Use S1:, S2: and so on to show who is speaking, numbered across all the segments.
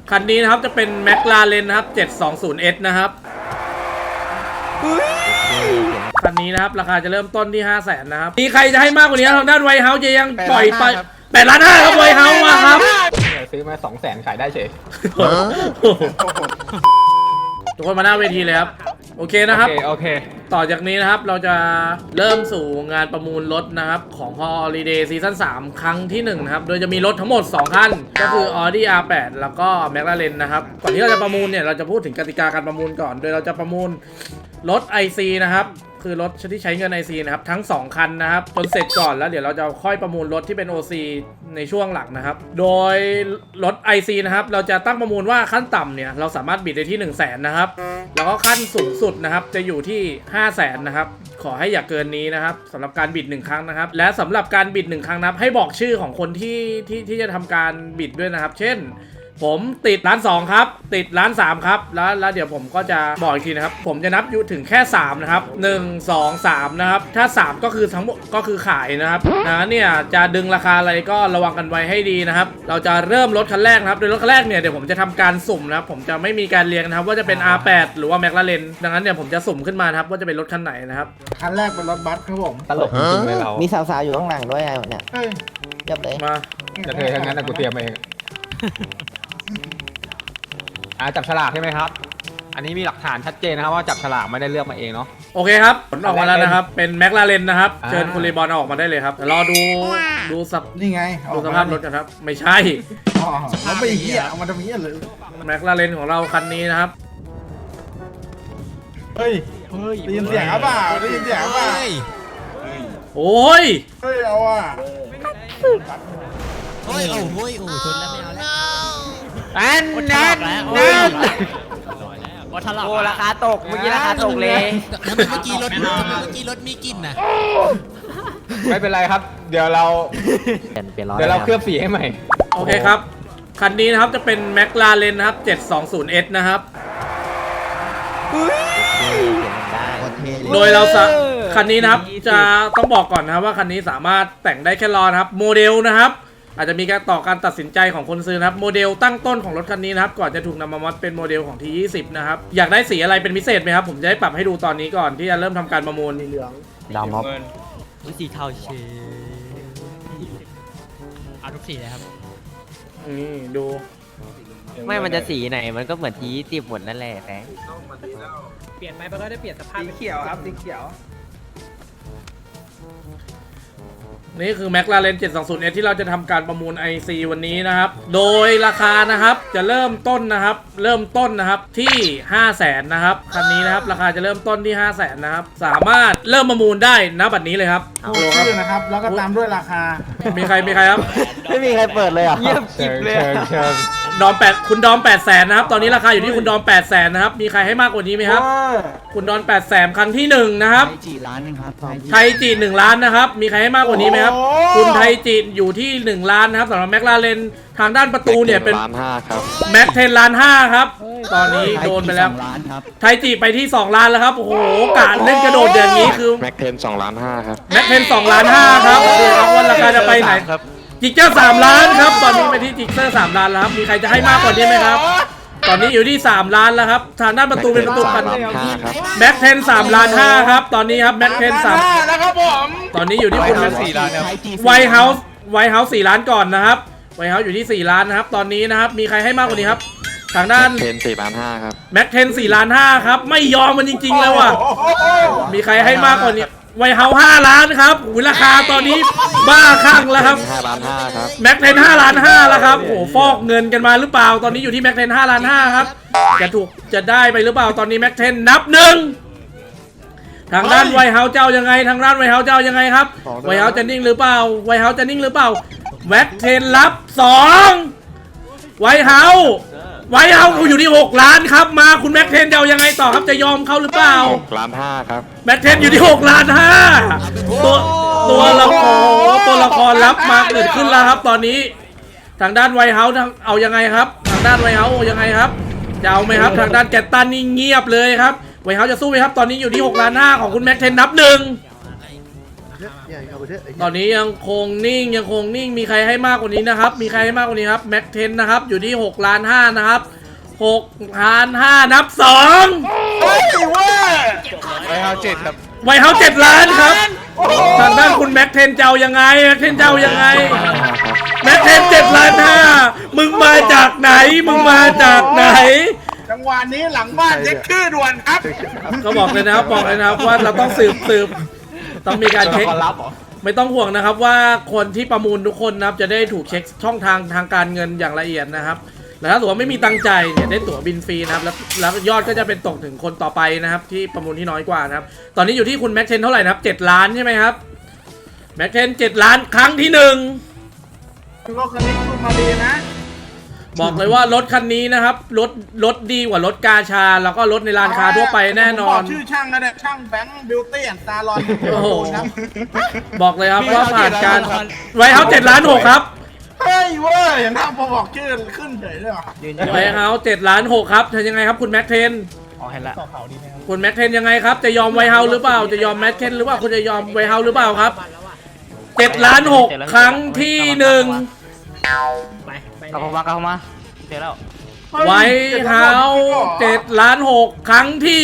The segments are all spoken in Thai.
S1: คันนี้นะครับจะเป็นแมคลาเรนนะครับ 720S นะครับคันนี้นะครับราคาจะเริ่มต้นที่ 500,000 นะครับมีใครจะให้มากกว่านี้ทางด้านไวท์เฮาส์จะยังปล่อยไป8 ล้าน 5ครับไวท์เฮาส์มาครับ
S2: ซื้อมา200,000ขายได้เฉย
S1: ทุกคนมาหน้าเวทีเลยครับโอเคนะครับ
S2: โอเค
S1: ต่อจากนี้นะครับเราจะเริ่มสู่งานประมูลรถนะครับของ Holiday Season 3 ครั้งที่1นะครับโดยจะมีรถทั้งหมด2คันก็คือ Audi R8 แล้วก็ McLaren นะครับก่อนที่เราจะประมูลเนี่ยเราจะพูดถึงกติกาการประมูลก่อนโดยเราจะประมูลรถ IC นะครับคือรถที่ใช้เงิน IC นะครับทั้ง2คันนะครับจนเสร็จก่อนแล้วเดี๋ยวเราจะค่อยประมูลรถที่เป็น OC ในช่วงหลังนะครับโดยรถ IC นะครับเราจะตั้งประมูลว่าขั้นต่ำเนี่ยเราสามารถบิดได้ที่ 100,000 นะครับแล้วก็ขั้นสูงสุดนะครับจะอยู่ที่ 500,000 นะครับขอให้อย่าเกินนี้นะครับสำหรับการบิด1ครั้งนะครับและสำหรับการบิด1ครั้งนะครับให้บอกชื่อของคนที่จะทำการบิดด้วยนะครับเช่นผมติดล้าน2ครับติดล้าน3ครับแล้วเดี๋ยวผมก็จะบอกอีกทีนะครับผมจะนับอยู่ถึงแค่3นะครับ1 2 3นะครับถ้า3ก็คือทั้งหมดก็คือขายนะครับเนี่ยจะดึงราคาอะไรก็ระวังกันไว้ให้ดีนะครับเราจะเริ่มรถคันแรกนะครับโดยรถคันแรกเนี่ยเดี๋ยวผมจะทำการสุ่มนะครับผมจะไม่มีการเรียงนะครับว่าจะเป็น R8 หรือว่า McLaren ดังนั้นเนี่ยผมจะสุ่มขึ้นมาครับว่าจะเป็นรถคันไหนนะครับ
S3: คันแรกเป็นรถบัสครับผม
S2: ตลกจริงๆเลยเรา
S4: มีสาวๆอยู่ข้างหลังด้วยไงเนี่ยเรียบเลย
S1: มา
S2: จะเธอทั้งนั้นแต่กูเตรียมเองจับฉลากใช่ไหมครับอันนี้มีหลักฐานชัดเจนนะครับว่าจับฉลากไม่ได้เลือกมาเองเนาะ
S1: โอเคครับผลออกมาแล้วนะครับเป็นแมคลาเรนนะครับเชิญคุณรีบอลออกมาได้เลยครับรอดู
S3: นี่ไง
S1: ดูสภาพรถกันครับไม่ใช่
S3: เราไปเหี้ยเอามาทำเหี้ยเลย
S1: แมคลาเรนของเราคันนี้นะครับ
S3: เฮ้ยได้ยินเสียงเปล่าได้ยินเสียงเปล่า
S1: โอ้ย
S3: เอาอ่ะ
S4: โอ้ยชนแล้วไม่เอาแล้ว
S2: นั่น
S4: โอ้ราคาตกเมื่อกี้ราคาตกเลย
S5: ทำไมเมื่อกี้รถมีกลิ่นนะ
S2: ไม่เป็นไรครับเดี๋ยวเราเคลือบสีให้ใหม่
S1: โอเคครับคันนี้นะครับจะเป็นแมคลาเรนนะครับ 720S นะครับโดยเราคันนี้นะครับจะต้องบอกก่อนนะครับว่าคันนี้สามารถแต่งได้แค่ล้อนะครับโมเดลนะครับอาจจะมีการต่อการตัดสินใจของคนซื้อนะครับโมเดลตั้งต้นของรถคันนี้นะครับก่อนจะถูกนำมามอดเป็นโมเดลของ T20 นะครับอยากได้สีอะไรเป็นพิเศษไหมครับผมจะได้ปรับให้ดูตอนนี้ก่อนที่จะเริ่มทำการประมูล
S3: เหลือง
S4: ดำครับ
S5: สีเทาเชเอาทุกสีเลยครับ
S1: นี่ดู
S4: ไม่มันจะสีไหนมันก็เหมือนT20หมดนั่นแหละแฟง
S5: เปลี่ยนไปมันก็ได้เปลี่ยนสภาพ
S3: สีเขียวครับสีเขียว
S1: นี่คือ McLaren 720S ที่เราจะทำการประมูล IC วันนี้นะครับโดยราคานะครับจะเริ่มต้นนะครับที่ 500,000 นะครับคันนี้นะครับราคาจะเริ่มต้นที่ 500,000 นะครับสามารถเริ่มประมูลได้ณบัดนี้เลยครับ
S3: พูดชื่อนะครับแล้วก็ตามด้วยราคา
S1: มีใครครับ
S4: ไม่มีใครเปิดเลยอ่ะ
S2: เงียบกริบเลย
S1: ดอมคุณดอม 800,000 นะครับตอนนี้ราคาอยู่ที่คุณดอม 800,000 นะครับมีใครให้มากกว่านี้ไหมครับคุณดอม 800,000 ครั้งที่1นะครับ
S4: ไทยจี1 ล้านครับ
S1: ไทยจี1 ล้านนะครับมีใครให้มากกว่านี้ไหมครับคุณไทยจีอยู่ที่1 ล้านนะครับสำหรับแมคลาเรนทางด้านประตูเนี่ยเป็น
S2: 1.5 ครับ
S1: แม็ก10.5 ล้านครับตอนนี้โดนไปแล้วไทยจีไปที่2 ล้านแล้วครับโอ้โหการเล่นกระโดดอย่างนี้คือ
S2: แม็ก2.5 ล้านครับ
S1: แม็ก2.5 ล้านครับดูครับว่าราคาจะไปไหนจิกเจอร์3 ล้านครับตอนนี้ไปที่จิกเจอร์3 ล้านแล้วครับมีใครจะให้มากกว่านี้ไหมครับตอนนี้อยู่ที่3 ล้านแล้วครับทางด้านประตูเป็นประตูกันแม็ก3.5 ล้านครับตอนนี้ครับแม็ก3
S3: แล้วครับผม
S1: ตอนนี้อยู่ที่คุณ
S2: 4 ล้านครับ
S1: ไวท์เฮาส์4 ล้านก่อนนะครับไวท์เฮาส์อยู่ที่4 ล้านนะครับตอนนี้นะครับมีใครให้มากกว่านี้ครับทางด้าน
S2: 4 ล้าน 5ครับ
S1: แม็ก4 ล้าน 5ครับไม่ยอมมันจริงๆแล้วอ่ะมีใครให้มากกว่านี้ไวท์เฮาส์5 ล้านครับราคาตอนนี้บ้าคลั่งแล้วครับ
S2: 5 ล้าน 5ครับ
S1: แม็ก5 ล้าน 5แล้วครับโอ้ฟอกเงินกันมาหรือเปล่าตอนนี้อยู่ที่แม็ก5 ล้าน 5ครับจะได้ไปหรือเปล่าตอนนี้แม็กนับ1ทางด้านไวท์เฮาส์เจ้ายังไงทางด้านไวท์เฮาส์เจ้ายังไงครับไวท์เฮาส์จะนิ่งหรือเปล่าไวท์เฮาส์จะนิ่งหรือเปล่าแม็กรับ2ไวท์เฮาส์อยู่ที่6 ล้านครับมาคุณแม็กจะเอายังไงต่อครับจะยอมเขาหรือเปล่า
S2: 6 ล้าน 5ครับ
S1: แม็กอยู่ที่6 ล้าน 5ตัวละครรับมาเกิดขึ้นแล้วครับตอนนี้ทางด้านไวท์เฮาส์เอายังไงครับทางด้านไวท์เฮาส์ยังไงครับจะเอาไหมครับทางด้านแกตตันนี่เงียบเลยครับไวท์เฮาส์จะสู้ไหมครับตอนนี้อยู่ที่6 ล้าน 5ของคุณแม็กนับ1 ตอนนี้ยังคงนิ่งมีใครให้มากกว่านี้นะครับมีใครให้มากกว่านี้ครับแม็กเทนนะครับอยู่ที่6.5 ล้านนะครับ6.5 ล้านนับ2
S3: เฮ้ยเว้ย
S6: ไวเฮา7ครับ
S1: ไวเฮา7 ล้านครับทางด้านคุณแม็กเทนเจ้ายังไงแม็กเทนเจ้ายังไงแม็กเทน7.5 ล้านมึงมาจากไหน
S3: จังหวะนี้หลังบ้านเช็คชื่อด่วนครับ
S1: ก็บอกเลยนะครับว่าเราต้องสืบต้องมีการเช็ค
S2: ตัวละครลับเหรอ
S1: ไม่ต้องห่วงนะครับว่าคนที่ประมูลทุกคนนะครับจะได้ถูกเช็คช่องทางการเงินอย่างละเอียดนะครับแล้วถ้าสมมติว่าไม่มีตังค์ใจายเนี่ยได้ตั๋วบินฟรีนะครับแล้วยอดก็จะเป็นตกถึงคนต่อไปนะครับที่ประมูลที่น้อยกว่านะครับตอนนี้อยู่ที่คุณแม็กเทนเท่าไหร่นะครับ7 ล้านใช่ไหมครับแม็กเทน7 ล้านครั้งที่1
S3: รถคันนี้คุณมาดีนะ
S1: บอกเลยว่ารถคันนี้นะครับรถดีกว่ารถกาชาแล้วก็รถในร้านค้าทั่วไปแน่นอน
S3: ผมบกชื่อช่างก็ได้ช่างแบงค์บิวตี้แอนด์ซาลอน
S1: โอ้โห
S3: ครับ
S1: บอกเลยครับว่าผ่านการไวเฮา7 ล้าน 6ครับ
S3: เฮ้ยเว้ยอย่างนั้นพอบอกชื่อขึ้นเฉยเลยเหรอ
S1: ไวเฮา7 ล้าน 6ครับทำยังไงครับคุณแม็กเทน
S5: อ๋อเห็นละ
S1: คุณแม็กเทนยังไงครับจะยอมไวเฮาหรือเปล่าจะยอมแม็กเทนหรือว่าคุณจะยอมไวเฮาหรือเปล่าครับ7 ล้าน 6ครั้งที่1
S5: ไป
S4: เอาเข้ามาเสร็จแล้ว
S1: ไวเฮา7 ล้าน 6ครั้งที่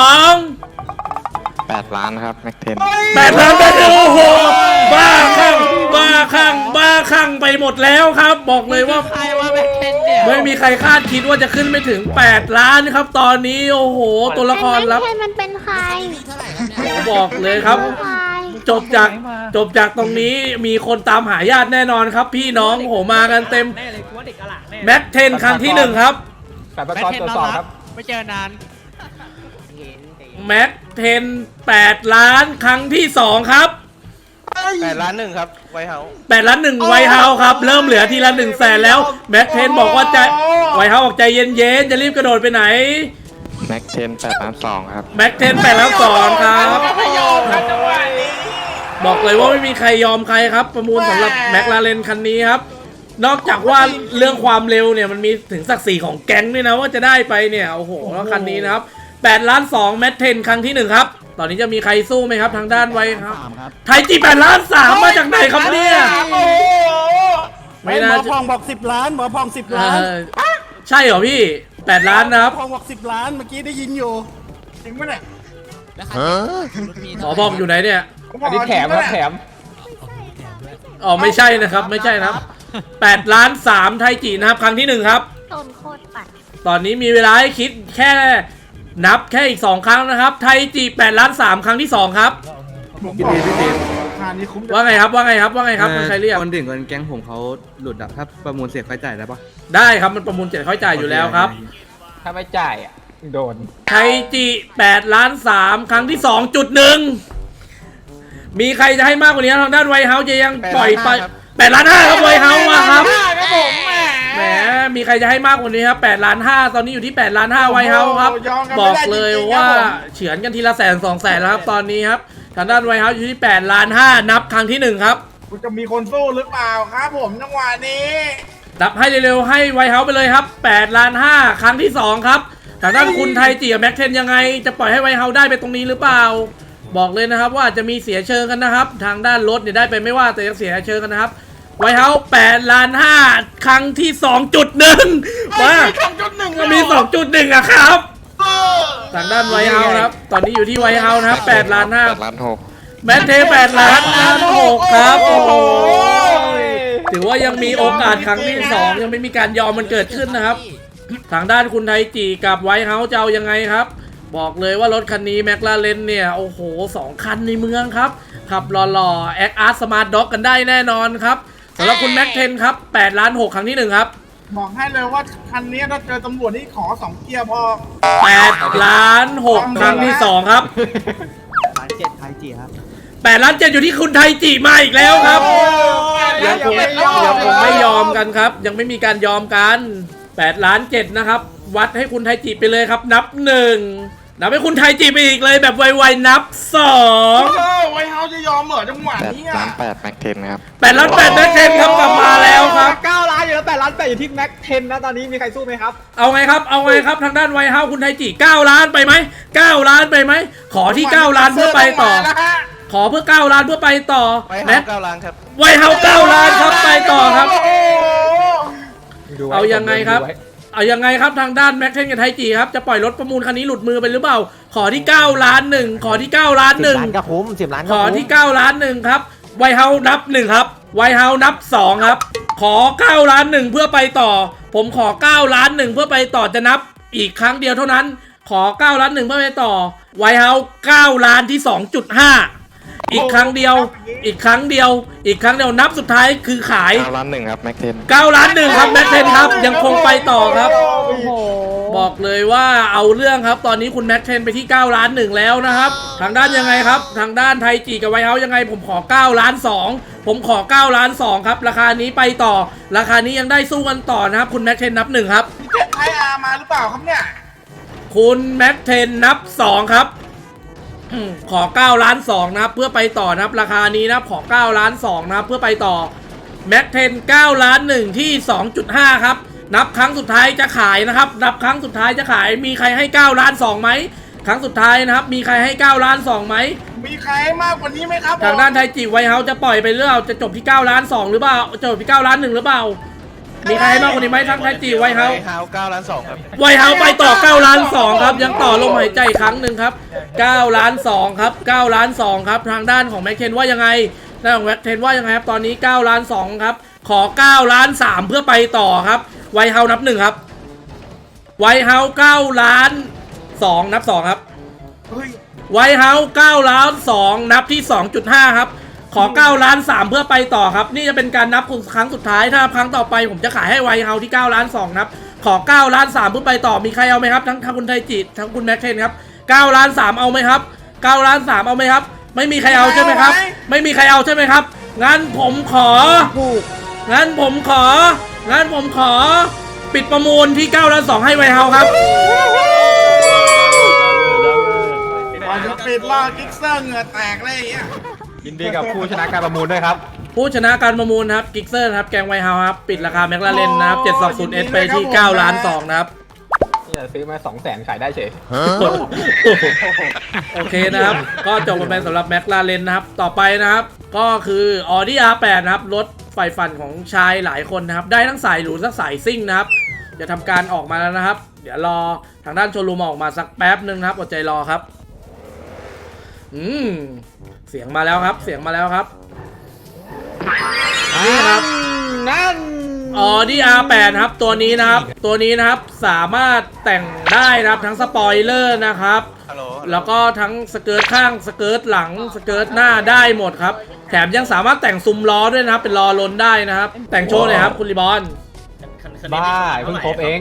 S1: 2
S6: 8 ล้านครับแม็กเทน
S1: 8 ล้านไปโอ้โหบ้าคลั่งไปหมดแล้วครับ บอกเลยว่า
S5: ใครว่าเป็นเทนเนี่ย
S1: ไม่มีใครคาดคิดว่าจะขึ้นไม่ถึง8 ล้านครับตอนนี้โอ้โหตัวละครลับ
S7: แม็กเทนมันเป็นใคร
S5: เท่าไหร่ครับเนี่ย
S1: บอกเลยครับ
S7: ใคร
S1: จบจากตรงนี้มีคนตามหาญาติแน่นอนครับ พี่น้องโหมากันเต็ม
S5: แน่เลยกูว่าเด็กกระหล่ำแน่
S1: แม็กเทนครั้งที่1ครับ
S2: แต่ประกอบตรวจสอบครับ
S5: ไม่เจอนาน
S1: แม็กเทน8 ล้านครั้งที่2ครับ
S6: 8 ล้าน1ครับไวเฮา
S1: 8 ล้าน1ไวเฮาครับเริ่มเหลือทีละ100,000แล้วแม็กเทนบอกว่าใจไวเฮาบอกใจเย็นๆจะรีบกระโดดไปไหน
S6: แม็กเทน8 ล้าน2ครับ
S1: แม็กเทน8 ล้าน2ครับ
S3: ไม่ยอมครับจังหวะนี้
S1: บอกเลยว่าไม่มีใครยอมใครครับ ประมูลสำหรับแม็กลาเรนคันนี้ครับ นอกจากว่าเรื่องความเร็วเนี่ยมันมีถึงศักดิ์ศรีของแก๊งด้วยนะว่าจะได้ไปเนี่ยโอ้โหแล้วคันนี้นะครับ8 ล้าน2แมทเทนครั้งที่1ครับตอนนี้จะมีใครสู้ไหมครับทางด้านไว้ครับไทยจี8 ล้าน3มาจากไหนครับเนี่ย
S3: โอ้โห
S1: ไม่น่า
S8: หมอ
S1: จะ
S8: พองบอก10 ล้านหมอพอง10 ล้าน
S1: ใช่เหรอพี่8 ล้านนะครับ
S8: พองบอก10 ล้านเมื่อกี้ได้ยินอยู่
S3: จริงปะเนี่ย
S5: แล้วใครรถมี
S1: หมอบอกอยู่ไหนเนี่ย
S2: อันนี้แถมครับแถม
S1: อ๋อไม่ใช่นะครับไม่ใช่นะครับ8 ล้าน3ไทยจีนะครับครั้งที่1ครับ
S7: ต้นโคตรปัด
S1: ตอนนี้มีเวลาให้คิดแค่นับแค่อีก2ครั้งนะครับไทยจี8 ล้าน3ครั้งที่2ครับ
S3: ผมบอกราคานี้คุ้ม
S1: ว่าไงครับมันใครเรียก
S9: คนถึงคนแก๊งผมเขาหลุดอะถ้าประมูลเสียค่าใช้จ่ายได้ปะ
S1: ได้ครับมันประมูล7ค่อยจ่ายอยู่แล้วครับ
S2: ถ้าไม่จ่ายอ่ะโดน
S1: ไทยจี8 ล้าน3ครั้งที่ 2.1 มีใครจะให้มากกว่านี้ทางด้านไวเฮาจะยังปล่อยไป8 ล้าน5ครับไวเฮามาครับ
S3: ครับผมแหม
S1: แหมมีใครจะให้มากกว่านี้ครับ8 ล้าน5ตอนนี้อยู่ที่8 ล้าน5ไวเฮาครับ
S3: ยอมกัน
S1: บ
S3: ไม่
S1: อก
S3: ได้
S1: เลย
S3: จริงๆ
S1: ว่า
S3: ครับผม
S1: เฉือนกันทีละ100,000-200,000แล้วครับตอนนี้ครับทางด้านไวเฮาอยู่ที่8 ล้าน5นับครั้งที่1ครับ
S3: คุณจะมีคนสู้หรือเปล่าครับผมจังหวะนี้
S1: นับให้เร็วๆให้ไวเฮาไปเลยครับ8 ล้าน5ครั้งที่2ครับทางด้านคุณไทยจีกับแม็กเทนยังไงจะปล่อยให้ไวเฮาได้ไปตรงนี้หรือเปล่า บอกเลยนะครับว่าจะมีเสียเชิงกันนะครับ ทางด้านรถเนี่ยได้ไปไม่ว่าแต่ยังเสียเชิงกันนะครับไวเฮา8 ล้าน5ครั้งที่ 2.1ว่ามี 2.1อะครับทางด้านไวเฮาครับตอนนี้อยู่ที่ไวเฮานะครับ8 ล้าน5
S6: 8 ล้าน6
S1: แมทเท8 ล้าน6ครับโอ้โหถือว่ายังมีโอกาสครั้งที่2ยังไม่มีการยอมมันเกิดขึ้นนะครับ ทางด้านคุณไทยจีกับไวท์เฮาส์จะเอายังไงครับ บอกเลยว่ารถคันนี้แมคลาเรนเนี่ยโอ้โห2 คันในเมืองครับขับหล่อๆแอคอาร์ตสมาร์ทด็อกกันได้แน่นอนครับสำหรับคุณแม็กเทนครับ8 ล้าน6ครั้งที่1ครับ
S3: บอกให้เลยว่าคันนี้ถ้าเจอตำรวจนี่ขอ2เกียร์พอ
S1: 8 ล้าน6ครั้งที่2ครับ
S8: ไทยจีครับ
S1: 8 ล้าน7อยู่ที่คุณไทยจีมาอีกแล้วครับยังคงไม่ยอมกันครับ ยังไม่มีการยอมกัน8 ล้าน7นะครับวัดให้คุณไทยจีไปเลยครับนับ1นับให้คุณไทยจีไปอีกเลยแบบไวๆนับ2
S3: ไวเฮาจะยอมเหรอจังหวะนี้
S6: 8 ล้าน8แม็กเทนครับ
S1: 8 ล้าน8แม็กเทนครับกลับมาแล้วครับ
S2: 9 ล้านอยู่แล้ว8 ล้าน8อยู่ที่แม็กเทนนะตอนนี้มีใครสู้ไหมครับ
S1: เอาไงครับทางด้านไวท์เฮาส์คุณไทยจี9 ล้านไปไหม9 ล้านไปไหมขอที่9 ล้านเพื่อไปต่อขอเพื่อ9ล้านเพื่อไปต่อ
S6: ไว้
S1: แม็
S6: เฮาก 9 ล้านครับ
S1: ไวเฮา9ล้านครับไปต่อครับ
S3: โอ้โห
S2: ดูไว้
S1: เอายังไงครับ
S2: ดูว้
S1: เอายังไงครับทางด้านแม็กเทนกับไทจีครับจะปล่อยรถประมูลคันนี้หลุดมือไปหรือเปล่า ขอที่9ล้านหนึ่งขอที่9ล้านหนึ่ง
S4: 10 ล้านก็คุ้ม10 ล้าน
S1: ข
S4: ก็
S1: อ
S4: คุ้ม
S1: ที่9ล้านหนึ่งครับไวเฮานับ1ครับไวเฮานับ2ครับขอ9ล้านหนึ่งเพื่อไปต่อ ผมขอ9ล้านหนึ่งเพื่อไปต่อจะนับอีกครั้งเดียวเท่านั้น ขอ9ล้านหนึ่งเพื่อไปต่อไวเฮา9ล้านที่ 2.5 อีกครั้งเดียว อีกครั้งเดียว อีกครั้งเดียวนับสุดท้ายคือขาย
S6: 9 ล้าน 1 ครับ แม็กเทน
S1: 9ล้านหนึ่งครับแม็กเทนครับยังคงไปต่อครับ บอกเลยว่าเอาเรื่องครับตอนนี้คุณแม็กเทนไปที่9ล้านหนึ่งแล้วนะครับทางด้านยังไงครับทางด้านไทจีกับไวท์เฮาส์ยังไงผมขอ9ล้าน2ผมขอ9ล้าน2ครับราคานี้ไปต่อ ราคานี้ยังได้สู้กันต่อนะครับคุณแม็กเทนนับ1ครับ
S3: เจ็ดไทยอาร์มาหรือเปล่าครับเนี่ย
S1: คุณแม็กเทนนับ2ครับขอ9ล้าน2นะครับเพื่อไปต่อนะครับราคานี้นะครับขอ9ล้าน2นะครับเพื่อไปต่อแม็กเทน9ล้าน1ที่ 2.5 ครับนับครั้งสุดท้ายจะขายนะครับนับครั้งสุดท้ายจะขายมีใครให้9ล้าน2ไหมครั้งสุดท้ายนะครับมีใครให้9ล้าน2ไหม
S3: มีใครให้มากกว่านี้ไหมครับผม
S1: ทางด้านไทจีไวท์เฮาส์จะปล่อยไปเรื่อยจะจบที่9ล้าน2หรือเปล่าจบที่9ล้าน1หรือเปล่ามีใครให้มากกว่านี้ไหมทั้งไทจีไวท์เฮาส์
S6: ไวท์เฮาส์9 ล้าน 2 ครับ
S1: ไวท์เฮาส์ไปต่อ9ล้าน2ครับยังต่อลมหายใจอีกครั้งหนึ่งครับ9ล้าน2ครับ9ล้าน2ครับทางด้านของแม็กเทนว่ายังไงด้านของแม็กเทนว่ายังไงครับตอนนี้9ล้าน2ครับขอ9ล้าน3เพื่อไปต่อครับไวท์เฮาส์นับ1ครับไวท์เฮาส์9ล้าน2นับ2ครับ
S3: เฮ้ย
S1: ไวท์เฮาส์9ล้าน2นับที่ 2.5 ครับขอ9ล้าน3เพื่อไปต่อครับนี่จะเป็นการนับครั้งสุดท้ายถ้าครั้งต่อไปผมจะขายให้ไวท์เฮาส์ที่9ล้าน2ครับขอ9ล้าน3เพื่อไปต่อมีใครเอาไหมครับทั้งคุณไทจิทั้งคุณแม็กเคนครับ9ล้าน3เอาไหมครับ9ล้าน3เอาไหมครับไม่มีใครเอาใช่ไหมครับไม่มีใครเอาใช่ไหมครับงั้นผมของั้นผมขอปิดประมูลที่9ล้าน2ให้ไวท์เฮาส์ครับ
S3: ก่อนจะปิดล่อกิ๊กเซอร์เหงื่อแตกเลยอย่างเงี้ย
S2: ยินดีกับผู้ชนะการประมูลด้วยครับ
S1: ผู้ชนะการประมูลครับกิกเซอร์ครับแกงไวท์เฮาส์ครับปิดราคาแมคลาเรนนะครับ720S ไปที่9ล้าน2นะครับ
S2: นี่ซื้อมา200,000ขายได้เฉย
S1: โอเคนะครับ ก็จบกันไปสำหรับแมคลาเรนนะครับ ต่อไปนะครับ ก็คือ Audi R8 นะครับ รถไฟฝันของชายหลายคนนะครับ ได้ทั้งสายหรูทั้งสายซิ่งนะครับ จะทำการออกมาแล้วนะครับ เดี๋ยวรอทางด้านโชว์รูมออกมาสักแป๊บนึงนะครับอดใจรอครับ เสียงมาแล้วครับ เสียงมาแล้วครับ นี่ครับ
S2: นั่น
S1: Audi R8 ครับตัวนี้นะครับสามารถแต่งได้นะครับทั้งสปอยเลอร์นะครับ
S6: ฮัลโหล
S1: แล้วก็ทั้งสเกิร์ตข้างสเกิร์ตหลังสเกิร์ตหน้าได้หมดครับแถมยังสามารถแต่งซุ้มล้อด้วยนะครับเป็นล้อล้นได้นะครับแต่งโชว์เลยครับคุณรีบอน
S2: บ้าเพิ่งครบเอง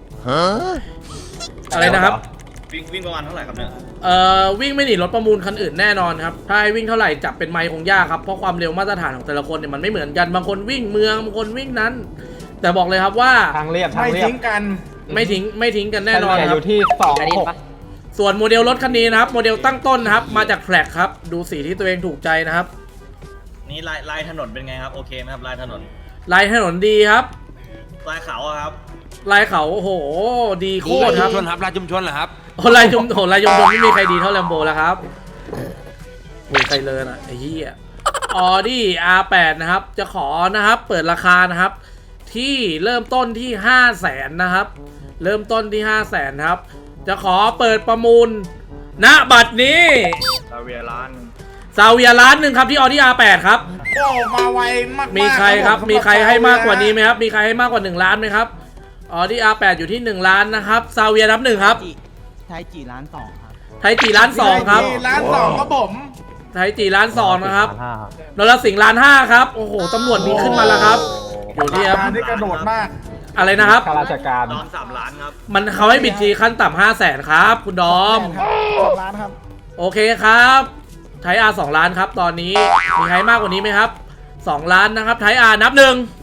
S1: อะไรนะครับ
S7: วิ่งประมาณเท่าไหร่ครับเนี่ย
S1: วิ่งไม่หนีรถประมูลคันอื่นแน่นอนครับถ้าให้วิ่งเท่าไหร่จับเป็นไมล์คงยากครับเพราะความเร็วมาตรฐานของแต่ละคนเนี่ยมันไม่เหมือนกันบางคนวิ่งเมืองบางคนวิ่งนั้น แต่บอกเลยครับว่า
S2: ทางเรียบทาง
S3: ไม่
S2: เรียบ
S3: ทิ้งกัน
S1: ไม่ทิ้งกันแน่นอน
S2: เฉลี่ย
S1: ค
S2: อ
S1: รับ
S2: ยู่ที่
S4: อันนี้ปะ
S1: ส่วนโมเดลรถคันนี้นะครับโมเดลตั้งต้นนะครับมาจากแฟลกครับดูสีที่ตัวเองถูกใจนะครับ
S7: นี่ลายถนนเป็นไงครับ โอเคไหมครับลายถนน
S1: ลายถนนดีครับ
S7: ลายเขาอะครับ
S1: ลายเขาโอ้โหดีโคตรครับ
S5: ชนครับลายชุมชนเหรอครับ
S1: โอ้ลายยมไม่มีใครดีเท่าแลมโบแล้วครับมีใครเลยนะไอ้เหี้ยAudi R8 นะครับจะขอนะครับเปิดราคานะครับที่เริ่มต้นที่ 500,000 นะครับเริ่มต้นที่ 500,000 ครับจะขอเปิดประมูลณบัดนี้
S6: ซาเวียล้าน
S1: ซาเวียล้านหนึ่งครับที่ Audi R8 ครับ
S3: โอ้มาไวมากๆ
S1: มีใครครับ
S3: ผม
S1: มีใครให้มากกว่านี้ไหมครับ มีใครให้มากกว่า1ล้านไหมครับAudi R8 อยู่ที่1ล้านนะครับซาเวียนับ1ครับ
S8: ไทยจีล้าน2ครับ
S1: ไทยจีล้าน2ครับ
S3: ล้าน2ครับผม
S1: ไทยจีล้าน2นะครับนรสิงห์ล้าน5ครับโอ้โหตำรวจมีขึ้นมาแล้วครับอยู่ที่ครับ
S3: มาได้กระโดดมาก
S1: อะไรนะครับ
S2: ข้าราชการ
S7: ดอน3 ล้านครับ
S1: มันเขาให้บิดทีขั้นต่ำ500,000ครับคุณดอม
S8: ล้านครับ
S1: โอเคครับไทยอาร์2ล้านครับตอนนี้มีใครมากกว่านี้ไหมครับ2ล้านนะครับไทยอาร์นับ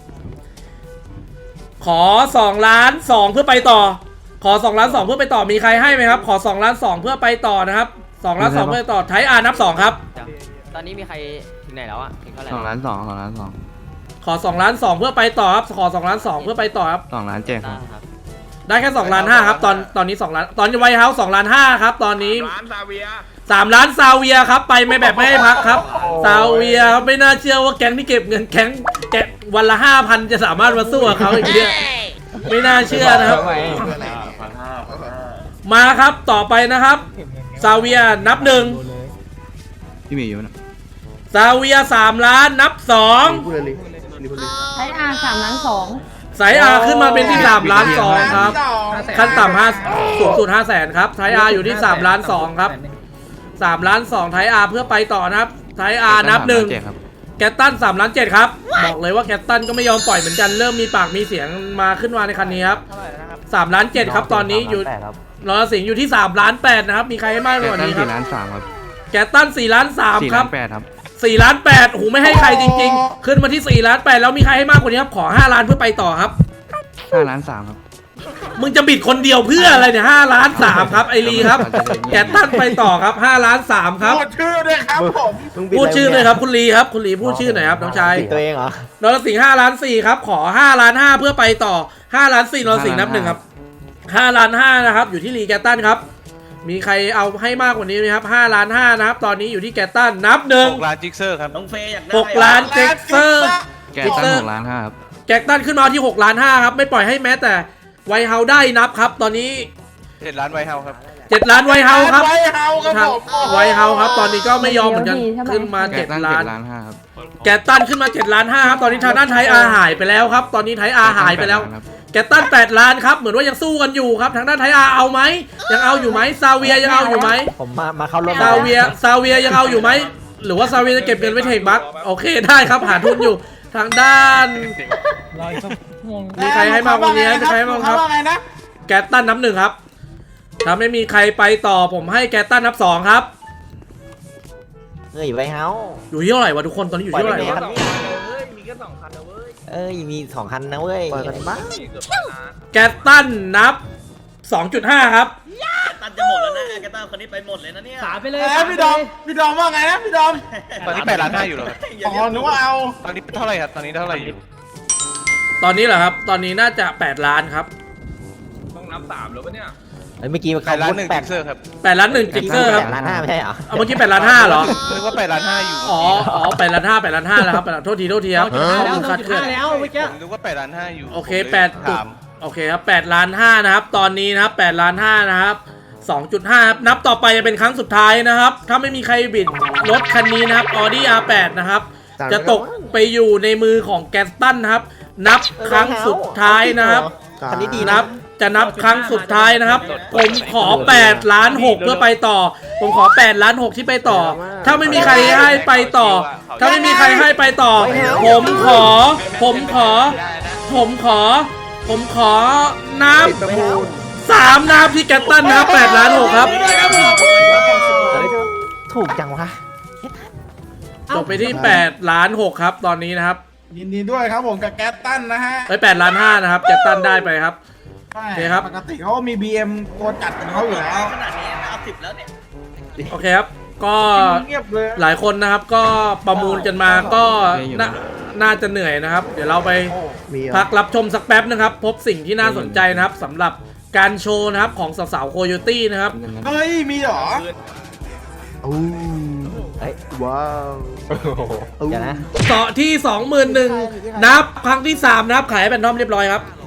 S1: 1ขอ2ล้าน2เพื่อไปต่อขอ2ล้าน2เพื่อไปต่อมีใครให้ไหมครับขอ2ล้าน2เพื่อไปต่อนะครับ2ล้าน2เพื่อไปต่อไทยอาร์นับ2ครับ
S4: ตอนนี้มีใครถึงไหนแล้วอะถึงเท่าไหร่
S9: 2 ล้าน 2 2 ล้าน
S1: ขอ2ล้าน2เพื่อไปต่อครับขอ2ล้าน2เพื่อไปต่อครับ
S9: 2 2 ล้าน 7 ครับ
S4: ครับ
S1: ได้แค่2ล้าน5ครับตอนนี้2ล้านตอนไวท์เฮาส์2ล้าน5ครับตอนนี้
S3: ล้านซาเวีย
S1: 3 ล้านซาเวียครับไปไม่แบบไม่ให้พักครับซาเวียครับไม่น่าเชื่อว่าแก๊งที่เก็บเงินแก๊งวันละ 5,000 จะสามารถมาสู้กับเขาอีกเนี่ยไม่น่าเชื่อนะครับ มาครับต่อไปนะครับซาเวียนับ 1
S9: พี่เมย์อยู่นะ
S1: ซาเวีย3 ล้านนับ 2
S10: ใช้อา3 ล้าน
S1: สายอาขึ้นมาเป็นที่3 ล้าน 2ครับขั้นต่ำ5สูงสุด 500,000ครับไทยอาอยู่ที่3 ล้าน 2ครับ3 ล้าน 2ไทยอาเพื่อไปต่อนะครับไทยอานับ 1 แกตตัน3 ล้าน 7ครับบอกเลยว่าแกตตันก็ไม่ยอมปล่อยเหมือนกันเริ่มมีปากมีเสียงมาขึ้นมาในคันนี้ครับ3 ล้าน 7ครับตอนนี้อยู่รอสิงห์อยู่ที่3 ล้าน 8นะครับมีใครให้มากกว่านี้ครับ
S9: 4 ล้าน 3 ครับ
S1: แกตตัน4 ล้าน 3
S9: 4
S1: ครั
S9: ล้า
S1: บ
S9: น 8 ครับ
S1: 4 ล้าน 8โอ้โหไม่ให้ใครจริงๆ ขึ้นมาที่4 ล้าน 8แล้วมีใครให้มากกว่านี้ครับขอ5 ล้านเพื่อไปต่อครับ
S9: 5 ล้าน 3 ครับ
S1: มึงจะบิดคนเดียวเพื่ออะไรเนี่ย5 ล้าน 3ครับไอรีครับแกตตันไปต่อครับ5 ล้าน 3ครับ
S3: พูดชื่อด้วยครับผม
S1: พูดชื่อเลยครับคุณลีครับคุณลีพูดชื่อหน่อยครับน้องชาย
S4: ตัวเองเหรอ
S1: นรสิงห์5 ล้าน 4ครับขอ5 ล้าน 5เพื่อไปต่อ5 ล้าน 4นรสิงห์นับ 1ครับ5 ล้าน 5นะครับอยู่ที่ลีแกตตันครับมีใครเอาให้มากกว่านี้ไหมครับ5 ล้าน 5นะครับตอนนี้อยู่ที่แกตตันนับ
S6: 6 ล้านจิกเซอร์ครับ
S7: น้องเฟย์อยากได้
S1: 1 6 ล้านเจ็กเซอร์
S9: แกตั้ง6 ล้าน 5 ครับ
S1: แกตตันขึ้นมาที่6 ล้าน 5ครับไม่ปล่อยให้แม้แต่ไวเฮาได้นับครับตอนนี้
S6: 7 ล้านไวเฮาครับ
S1: 7 ล้านไวเฮาครับ
S3: ไวเฮาครับ
S1: ทาง
S3: ผม
S1: ไวเฮาครับตอนนี้ก็ไม่ยอมเหมือนกันขึ้นมา
S9: แกตั้ง
S1: 7 ล้าน
S9: 7 ล้าน 5 ครับ
S1: แกตตันขึ้นมา7 ล้าน 5ครับตอนนี้ทางด้านไทยอาหายไปแล้วครับตอนนี้ไทยอาหายไปแล้ว แกตตัน8 ล้านครับเหมือนว่ายังสู้กันอยู่ครับทางด้านไทยอาเอาไหมยังเอาอยู่ไหมซาเวียยังเอาอยู่ไหม
S4: ผมมาเข้าร่วม
S1: ซาเวียยังเอาอยู่ไหมหรือว่าซาเวียจะเก็บเงินไว้เทคบัคโอเคได้ครับหาทุนอยู่ทางด้านมีใครให้มากกว่านี้มีใครให้มากครับ
S3: ว่าไงนะ
S1: แกตตันนับ 1ครับถ้าไม่มีใครไปต่อผมให้แกตตันนับ 2ครับ
S4: เฮ้ยไวเฮา
S1: อยู่ที่เท่าไหร่วะทุกคนตอนนี้อยู่ที่เท่าไหร่วะ
S4: เอ้ยมี2 คันนะเว้ยปล่อยกันบ้าง
S1: แกตตันนับ 2.5 ครับ
S7: ตันจะหมดแล้วนะแกตันคนนี้ไปหมดเลยนะเนี่ย
S5: 3 ไปเลย
S3: พี่ดอมว่าไงนะพี่ดอม
S6: ตอนนี้8 ล้าน 5อยู่เหรอครับ
S3: อ๋อนึกว่าเอา
S6: ตอนนี้เท่าไหร่ครับ ตอนนี้เท่าไหร่อยู่
S1: ตอนนี้เหรอครับตอนนี้น่าจะ8 ล้านครับ
S4: เฮ้ยเมื่อกี้
S6: 8 ล้าน 1
S4: แป
S6: จิ
S4: ด
S6: กเซอร์ครับ
S1: 8 ล้าน 1 จิกเกอร์ครับ
S4: 8 ล้าน 5ไม่ใช่เหรอ
S1: เอาเมื่อกี้8 ล้าน 5เหรอ
S6: นึกว่า8 ล้าน 5อยู่
S1: อ๋อ8 ล้าน 5 8 ล้าน 5แล้วครับโทษทีครับข้อมูลคลาดเคลื่อน
S5: แล้วเมื่อกี้
S6: ผมนึกว่า8 ล้าน 5อยู่
S1: โอเค
S6: ผมลยถาม
S1: โอเคครับ8 ล้าน 5นะครับตอนนี้นะครับ8 ล้าน 5นะครับ 2.5 ครับนับต่อไปจะเป็นครั้งสุดท้ายนะครับถ้าไม่มีใครบิดรถคันนี้นะครับ Audi R8 นะครับจะตกไปอยู่ในมือของแกสตันนะครับนับครั้งสุดท้ายนะครับ
S4: คันนี้ดี
S1: นั
S4: นะ
S1: บจะนับครั้งสุดท้ายนะครับผมขอ8 ล้าน 6เพื่อไปต่อผมขอ8 ล้าน 6ที่ไปต่อ ถ้าไม่มีใครให้ไปต่อ ถ้าไม่มีใครให้ไปต่อ ผมขอนับ3นับที่แกตตันนะครับ8 ล้าน 6ครับ
S4: ถูกจังวะ
S1: จบไปที่8 ล้าน 6ครับตอนนี้นะครับ
S3: ยินดีด้วยครับผมกับแก๊สตันนะฮะ
S1: 8 ล้าน 5นะครับแกตตันได้ไปครับ
S3: ใช่
S1: โอเคครับ
S3: ปกติเขามี BM ตัวจัดของเขาอยู่แล้ว
S7: ขนาดนี้เอา10แล้วเนี่ย
S1: โอเคครับก็
S3: เงียบเลย
S1: หลายคนนะครับก็ประมูลกันมาก็น่าจะเหนื่อยนะครับ เดี๋ยวเราไปพักรับชมสักแป๊บนะครับ พบสิ่งที่น่าสนใจนะครับสำหรับการโชว์นะครับของสาวๆโคโยตี้นะครับ
S3: เฮ้ย มีเหรอ
S4: เฮ้ยว้าวเดี๋ยวนะ
S1: ต่อที่ 21,000นับครั้งที่ 3 นะครับขายให้แบนทอมเรียบร้อยครับ